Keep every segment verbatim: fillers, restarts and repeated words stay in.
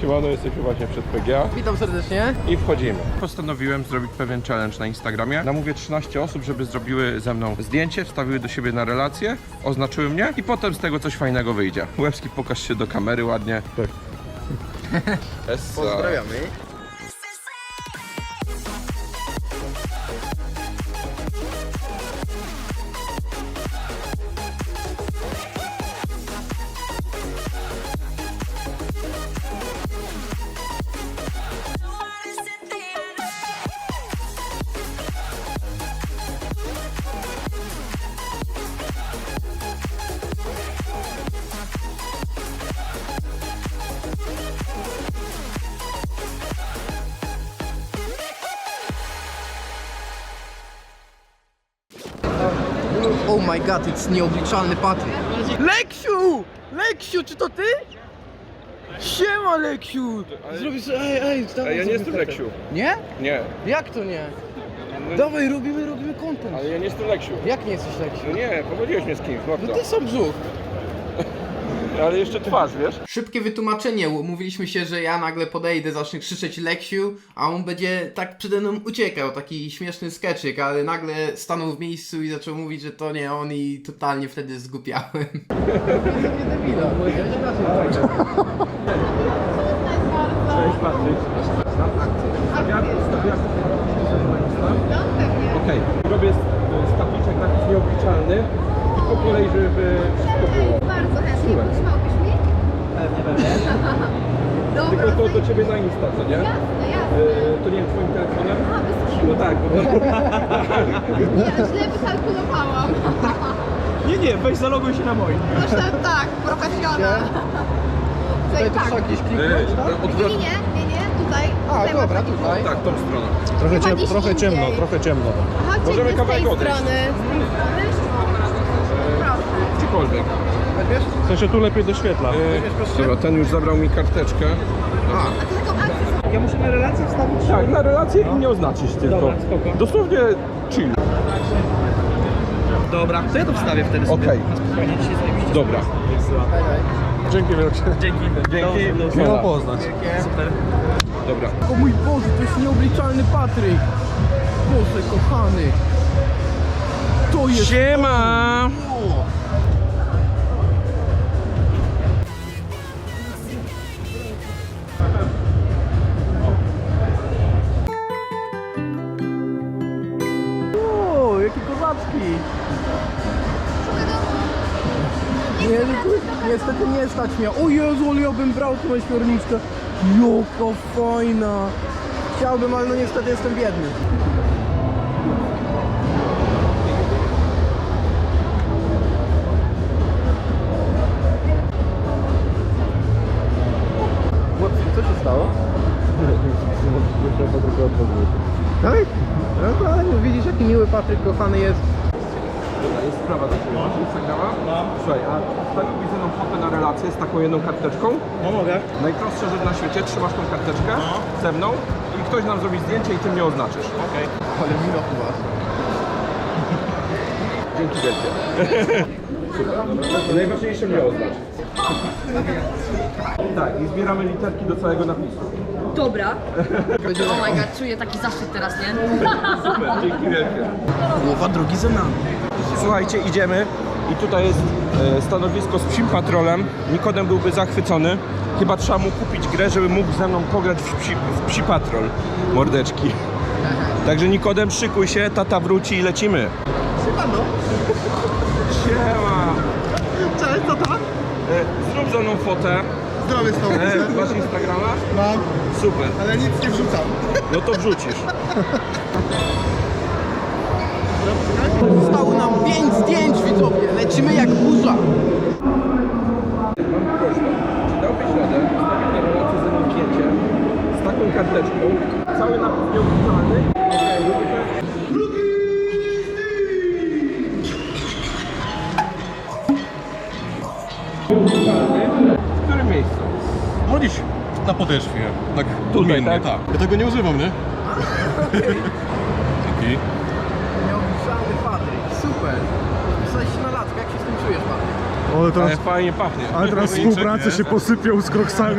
siemano, jesteśmy właśnie przed P G A. Witam serdecznie. I wchodzimy. Postanowiłem zrobić pewien challenge na Instagramie. Namówię trzynaście osób, żeby zrobiły ze mną zdjęcie, wstawiły do siebie na relację, oznaczyły mnie i potem z tego coś fajnego wyjdzie. Łebski, pokaż się do kamery ładnie. Tak. Pozdrawiamy. Oh my god, it's nieobliczalny Patryk. Leksiu! Leksiu, czy to ty? Siema, Leksiu! Zrobisz, ej, ej, dawaj. Ja nie jestem Leksiu. Nie? Nie. Jak to nie? No, Dawaj, robimy, robimy content. ale ja nie jestem Leksiu. Jak nie jesteś Leksiu? No nie, pomyliłeś mnie z kimś, No mordo. ty sam brzuch. Ale jeszcze twarz, wiesz? Szybkie wytłumaczenie, umówiliśmy się, że ja nagle podejdę, zacznę krzyczeć Leksiu, a on będzie tak przede mną uciekał, taki śmieszny skeczyk, ale nagle stanął w miejscu i zaczął mówić, że to nie on i totalnie wtedy zgłupiałem. Nie debila, Cześć Patryk. Okej, robię z tabliczek napis nieobliczalny i po kolei, żeby wszystko było. Bardzo chętnie, pomagałbyś mi? Pewnie, pewnie. Dobra, Tylko to do ciebie na Insta, co nie? jasne, jasne. E, to nie wiem, twoim telefonem? A, bez kitu. No tak, bo... Ja źle wykalkulowałam. Nie, nie, weź zaloguj się na moim. Myślę tak, profesjonal. Tutaj Tutaj to trzeba tak. gdzieś kliknąć, tak? Nie, Odwrot... nie, nie, nie, tutaj. A, tutaj dobra, masz taki tutaj. punkt. Tak, tą stroną. Trochę, Chyba ciem, gdzieś trochę indziej. ciemno, trochę ciemno. Aha, Możemy ciemno z tej kawałek odejść. strony. Z tej strony? Proszę. Gdziekolwiek. Weźmiesz? W sensie tu lepiej doświetla. E, dobra, ten już zabrał mi karteczkę. A, A ty taką akcję Ja muszę na relację wstawić. Tak, na relację i nie oznaczyć tylko. Dobra, spoko. Dosłownie chill. Dobra, to ja to wstawię wtedy sobie. Okej. Spokojnie, dzisiaj zajebiście. Dobra. Dzięki wielkie. Dzięki. Dzięki. Miło poznać. super. Dobra. O mój Boże, to jest nieobliczalny Patryk. Boże, kochany. To jest... Siema! O! O, jakie kozaczki! Nie, no tu niestety nie stać mnie. O Jezu, ale ja bym brał tą ośmiorniczkę. Jaka fajna! Chciałbym, ale no niestety jestem biedny. Chłopcy, co się stało? Tak? No to ale no, widzisz, jaki miły Patryk kochany jest. Dobra, jest sprawa do ciebie. Masz Instagrama? Mam. Słuchaj, a wstawiłbyś ze mną fotę na relację z taką jedną karteczką? No mogę. Najprostsza rzecz na świecie, trzymasz tą karteczkę ze mną i ktoś nam zrobi zdjęcie i ty mnie oznaczysz. Okej. Ale wino u was. Dzięki wielkie. Super. Najważniejsze mnie oznacz. Tak, i zbieramy literki do całego napisu. Dobra. Oh my god, czuję taki zaszczyt teraz, nie? Super, dzięki wielkie. Połowa drogi za nami. Słuchajcie, idziemy i tutaj jest e, stanowisko z psim patrolem. Nikodem byłby zachwycony. Chyba trzeba mu kupić grę, żeby mógł ze mną pograć w psi, w psi patrol. Mordeczki. Także Nikodem, szykuj się, tata wróci i lecimy. Siemano. Siema! Cześć, co tam? E, zrób ze mną fotę. Zdrowie z tobą. E, masz Instagrama? Mam, Super. ale nic nie wrzucam. No to wrzucisz. Zostało nam pięć zdjęć, widzowie. Lecimy jak burza. Mam prośbę. Czy dałbyś radę wstawić na relację ze mną zdjęcie z taką karteczką? Cały napis nieobliczalny. W którym miejscu? No dziś na podeszwie. Tak Tutaj, odmiennie, tak? Ja tego nie używam, nie? Dzięki. Nieobliczalny Patryk. Super. Pisałeś się na latkę. Jak się z tym czujesz, Patryk? Ale teraz, Ale fajnie pachnie. ale teraz współpracę się posypią z kroksami.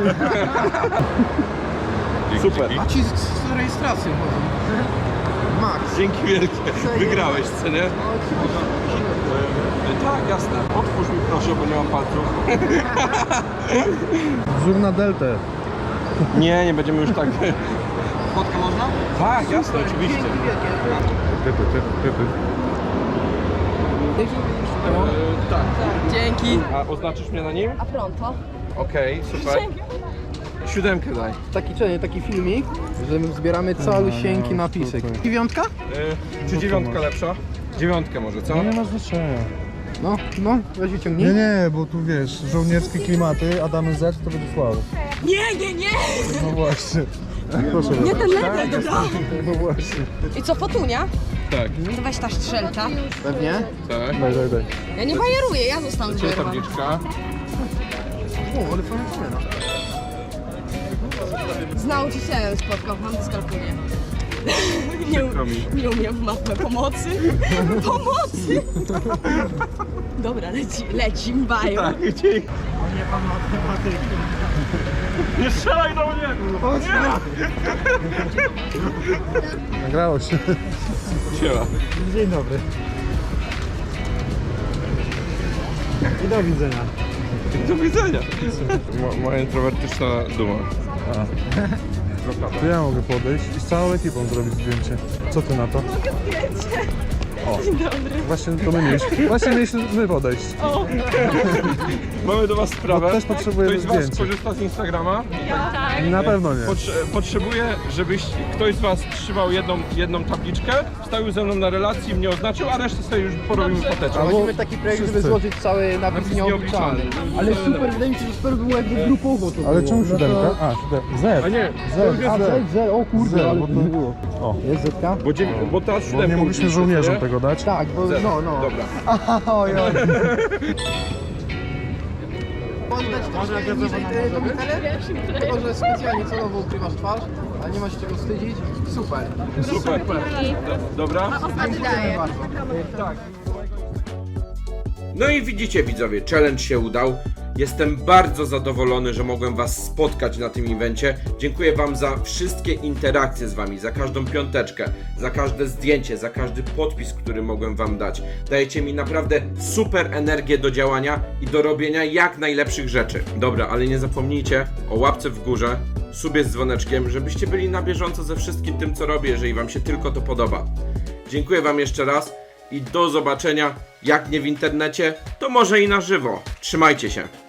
Super. A ci z, z rejestracją chodzą. Max. Dzięki wielkie. Wygrałeś, co nie? Tak, jasne. Otwórz mi proszę, bo nie mam palców. Zoom na deltę. Nie, nie będziemy już tak... Fotkę można? Tak, jasne, oczywiście. Typy, typy, typy. E, tak. Dzięki. A oznaczysz mnie na nim? A pronto? Okej, super. Siódemkę daj. Taki, czy nie, taki filmik, że my zbieramy calusieńki napisek. Dziewiątka? E, czy dziewiątka lepsza? Dziewiątkę może, co? Nie ma znaczenia. No, no, weź wyciągnij. Nie, nie, bo tu wiesz, żołnierskie klimaty, a damy Z, to będzie słabo. Nie, nie, nie! No właśnie. Proszę Nie bardzo. ten level, dobra. No właśnie. I co, fotunia? Tak. To weź ta strzelka. Pewnie. Tak. Daj, daj, daj. Ja nie bajeruję, ja zostanę Gdzie jest zbajerowana. tabliczka? O, ale fajna cena. Z nauczycielem spotkał, mam dyskalkulię. Nie, Przykro mi. nie umiem w matmę pomocy. Pomocy! Dobra, leci, leci, bają. Tak, dzięki. Nie strzelaj do mnie! Nagrało się. Siema. Dzień dobry. I do widzenia. Do widzenia. Mo, moja introwertyczna duma. To ja mogę podejść i z całą ekipą zrobić zdjęcie. Co ty na to? O, dzień dobry. Właśnie to my mieliśmy. Właśnie mieliśmy my podejść. Mamy do was sprawę. Bo też potrzebujemy Ktoś z was zdjęcia. korzysta z Instagrama? Na pewno nie. Potrze potrzebuję, żebyś ktoś z was trzymał jedną, jedną tabliczkę, wstawił ze mną na relacji, mnie oznaczył, a resztę sobie już porobimy foteczkę. A musimy taki projekt, żeby wszyscy. złożyć cały napis Napis nieobliczalny. nieobliczalny. Ale super, wydaje mi się, że super było jakby grupowo to Ale było. czemu No to- siódemka? A, siódemka. Z. A nie, Z. A, Z, Z, o kurde, Z, ale bo to to nie było. O. Jest Zetka? bo, dziew bo teraz Bo siódemką nie mogliśmy wzięliśmy, żołnierzom nie? tego dać. Tak, bo Zero. no, no. Dobra. Oj, oj. Poddać troszkę niżej te tą butelę? Tylko, że specjalnie celowo ukrywasz twarz, ale nie ma się czego wstydzić. Super. Super. Dobra. Dziękujemy bardzo. Tak. No i widzicie widzowie, challenge się udał. Jestem bardzo zadowolony, że mogłem was spotkać na tym evencie. Dziękuję wam za wszystkie interakcje z wami, za każdą piąteczkę, za każde zdjęcie, za każdy podpis, który mogłem wam dać. Dajecie mi naprawdę super energię do działania i do robienia jak najlepszych rzeczy. Dobra, ale nie zapomnijcie o łapce w górze, subie z dzwoneczkiem, żebyście byli na bieżąco ze wszystkim tym, co robię, jeżeli wam się tylko to podoba. Dziękuję wam jeszcze raz i do zobaczenia, jak nie w internecie, to może i na żywo. Trzymajcie się.